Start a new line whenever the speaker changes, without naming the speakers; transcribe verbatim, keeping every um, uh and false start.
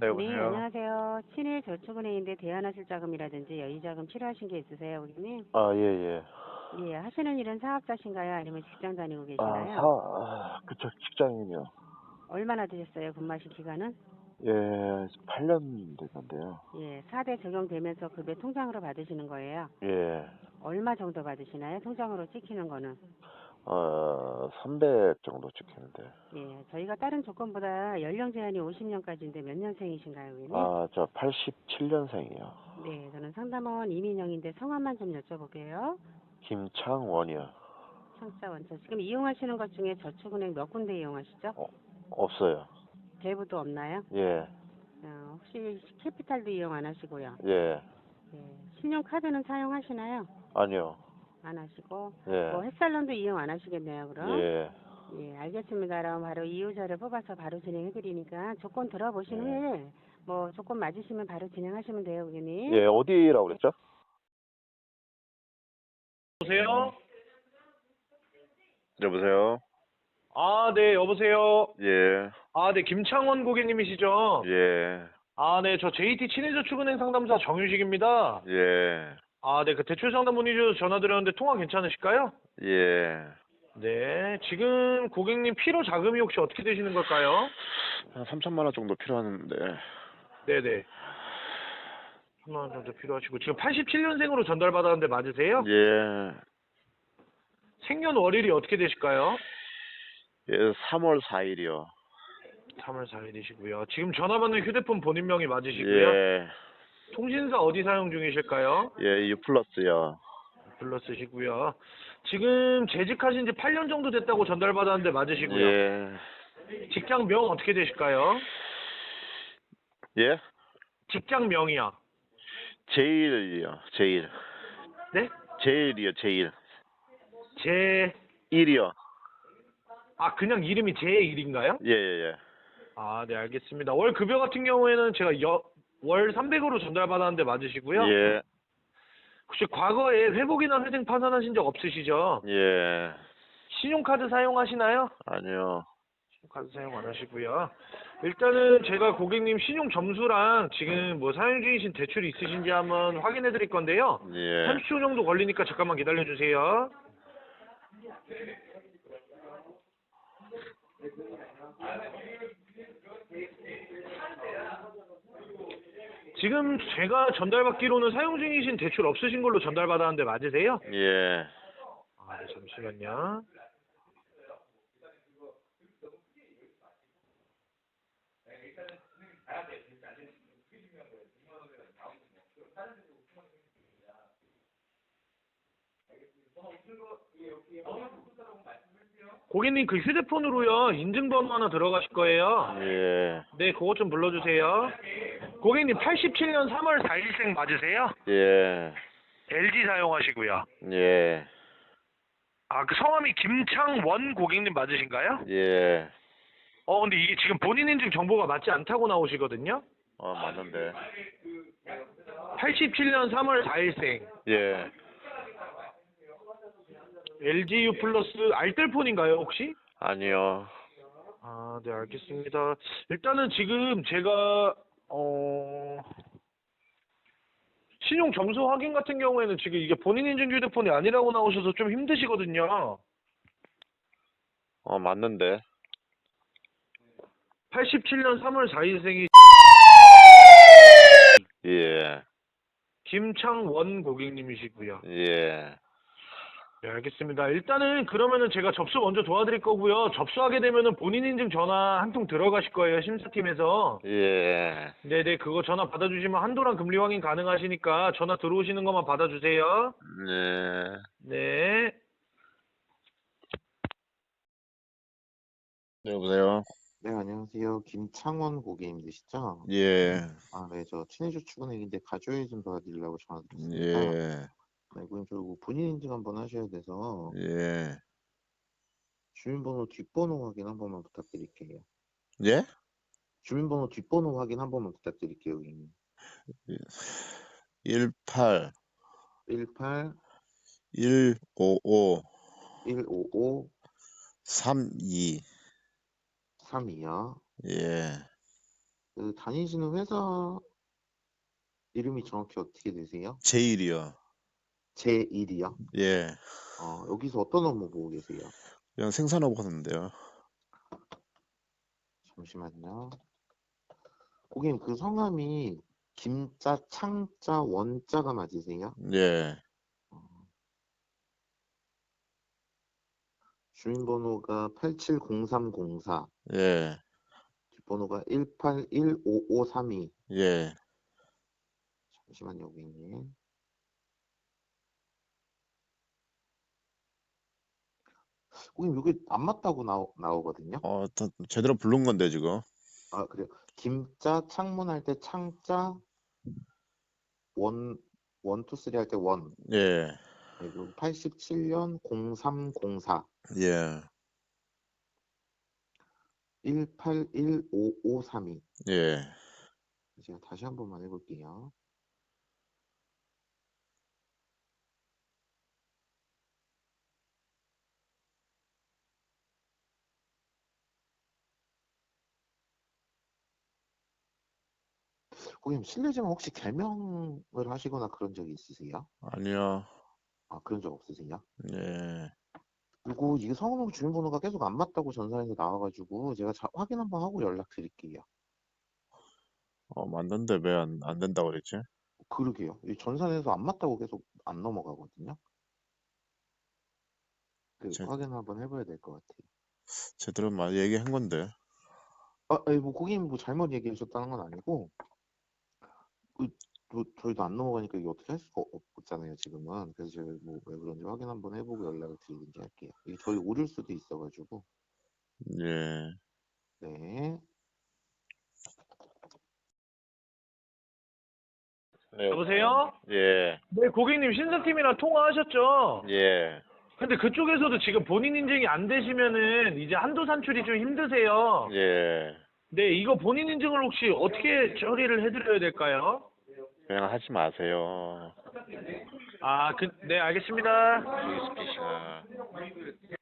네,
네,
여보세요?
안녕하세요. 친일저축은행인데 대안하실자금이라든지 여유자금 필요하신 게 있으세요, 고객님?
아, 예, 예.
예, 하시는 일은 사업자신가요? 아니면 직장 다니고
아, 사,
계시나요?
아, 그쵸, 직장인이요.
얼마나 되셨어요, 근무하신 기간은?
예, 팔 년 됐는데요.
예, 사 대 적용되면서 급여 통장으로 받으시는 거예요.
예,
얼마 정도 받으시나요? 통장으로 찍히는 거는?
어, 삼백 정도 찍히는데.
예, 저희가 다른 조건보다 연령 제한이 오십 년까지인데 몇 년생이신가요, 고객님?
아, 저 팔십칠 년생이요.
네, 저는 상담원 이민영인데 성함만 좀 여쭤볼게요.
김창원이요.
창자 원천. 지금 이용하시는 것 중에 저축은행 몇 군데 이용하시죠?
어, 없어요.
대부도 없나요?
예,
어, 혹시 캐피탈도 이용 안 하시고요.
예,
예, 신용카드는 사용하시나요?
아니요.
안 하시고
예,
뭐 햇살론도 이용 안 하시겠네요, 그럼?
예,
예, 알겠습니다. 그럼 바로 이유자를 뽑아서 바로 진행해 드리니까 조건 들어보신
예.
후에 뭐 조건 맞으시면 바로 진행하시면 돼요, 고객님.
예, 어디라고 그랬죠?
여보세요?
여보세요?
아, 네, 여보세요?
예,
아, 네, 김창원 고객님이시죠?
예,
아, 네, 저 제이티 친해저축은행 상담사 정유식입니다.
예,
아, 네, 그 대출 상담 문의 주셔서 전화드렸는데 통화 괜찮으실까요?
예.
네, 지금 고객님 필요 자금이 혹시 어떻게 되시는 걸까요?
한 삼천만 원 정도 필요한데.
네네. 천만 원 정도 필요하시고, 지금 팔십칠 년생으로 전달받았는데 맞으세요?
예,
생년월일이 어떻게 되실까요?
예, 삼월 사일이요.
삼월 사일이시고요. 지금 전화 받는 휴대폰 본인명이 맞으시고요.
예,
통신사 어디 사용 중이실까요?
예, U 플러스요.
플러스시고요. 지금 재직하신 지 팔 년 정도 됐다고 전달받았는데 맞으시고요.
예,
직장명 어떻게 되실까요?
예,
직장명이요.
제일이요, 제일.
네?
제일이요, 제일.
제,
일이요.
아, 그냥 이름이 제일인가요?
예, 예,
아, 네, 알겠습니다. 월 급여 같은 경우에는 제가 여, 월 삼백으로 전달받았는데
예.
맞으시고요.
예,
혹시 과거에 회복이나 회생 파산하신 적 없으시죠?
예.
신용카드 사용하시나요?
아니요.
카드 사용 안 하시고요. 일단은 제가 고객님 신용 점수랑 지금 뭐 사용 중이신 대출이 있으신지 한번 확인해 드릴 건데요.
예,
삼십 초 정도 걸리니까 잠깐만 기다려 주세요. 지금 제가 전달받기로는 사용 중이신 대출 없으신 걸로 전달받았는데 맞으세요?
예.
아, 네, 잠시만요. 고객님 그 휴대폰으로요 인증번호 하나 들어가실 거예요.
예,
네, 그것 좀 불러주세요. 고객님 팔십칠 년 삼월 사일생 맞으세요?
예,
엘지 사용하시고요.
예,
아, 그 성함이 김창원 고객님 맞으신가요?
예.
어, 근데 이게 지금 본인 인증 정보가 맞지 않다고 나오시거든요?
어, 맞는데.
팔십칠 년 삼월 사일생.
예.
엘지유 플러스 알뜰폰인가요, 혹시?
아니요.
아, 네, 알겠습니다. 일단은 지금 제가, 어, 신용 점수 확인 같은 경우에는 지금 이게 본인 인증 휴대폰이 아니라고 나오셔서 좀 힘드시거든요.
어, 맞는데.
팔십칠 년 삼월 사일생이
예,
김창원 고객님이시고요.
예,
네, 알겠습니다. 일단은 그러면은 제가 접수 먼저 도와드릴 거고요. 접수하게 되면은 본인 인증 전화 한 통 들어가실 거예요. 심사팀에서.
예.
네네, 그거 전화 받아주시면 한도랑 금리 확인 가능하시니까 전화 들어오시는 것만 받아주세요.
네.
네.
여보세요?
네, 안녕하세요. 김창원 고객님 되시죠?
예,
아, 네, 저 친해저축은행인데 가족이 좀 도와드리려고 전화드렸습니다.
예,
네, 고객님 저 이거 본인 인증 한번 하셔야 돼서
예.
주민번호 뒷번호 확인 한 번만 부탁드릴게요.
예?
주민번호 뒷번호 확인 한 번만 부탁드릴게요, 고객님.
일팔
일팔
일오오
일오오
삼이.
삼이요.
예,
그 다니시는 회사 이름이 정확히 어떻게 되세요?
제일이요.
제일이요?
예.
어, 여기서 어떤 업무 보고 계세요?
그냥 생산하고 하는데요.
잠시만요. 고객님, 그 성함이 김자, 창자, 원자가 맞으세요?
예.
어, 주민번호가 팔칠공삼공사,
예.
뒷번호가 일팔일오오삼이.
예.
잠시만요, 고객님. 고객님, 여기 안 맞다고 나오, 나오거든요?
어, 더 제대로 부른 건데 지금.
아, 그래요. 김자, 창문할 때 창자, 원, 원, 투, 쓰리 할 때 원.
예.
네, 그리고 팔십칠 년 공삼공사,
예.
일팔일오오삼이.
예.
제가 다시 한 번만 해볼게요. 고객님, 실례지만 혹시 개명을 하시거나 그런 적이 있으세요?
아니요.
아, 그런 적 없으세요?
예.
그리고 이게 성우하고 주민번호가 계속 안 맞다고 전산에서 나와가지고 제가 자, 확인 한번 하고 연락드릴게요.
어, 맞는데 왜 안 안 된다고 그랬지?
그러게요. 이 전산에서 안 맞다고 계속 안 넘어가거든요. 그
제,
확인 한번 해봐야 될 것 같아요.
제대로 말 얘기한 건데.
아, 아니, 뭐 고객님 뭐 잘못 얘기하셨다는 건 아니고 그, 뭐 저희도 안 넘어가니까 이게 어떻게 할 수가 없잖아요, 지금은. 그래서 제가 뭐 왜 그런지 확인 한번 해보고 연락을 드리든지 할게요. 이게 저희 오릴 수도 있어가지고.
예.
네.
네.
여보세요?
예.
네, 고객님 신사팀이랑 통화하셨죠?
예.
근데 그쪽에서도 지금 본인 인증이 안 되시면은 이제 한도 산출이 좀 힘드세요.
예.
네, 이거 본인 인증을 혹시 어떻게 처리를 해드려야 될까요?
그냥 하지 마세요.
아, 그, 네, 알겠습니다.
아.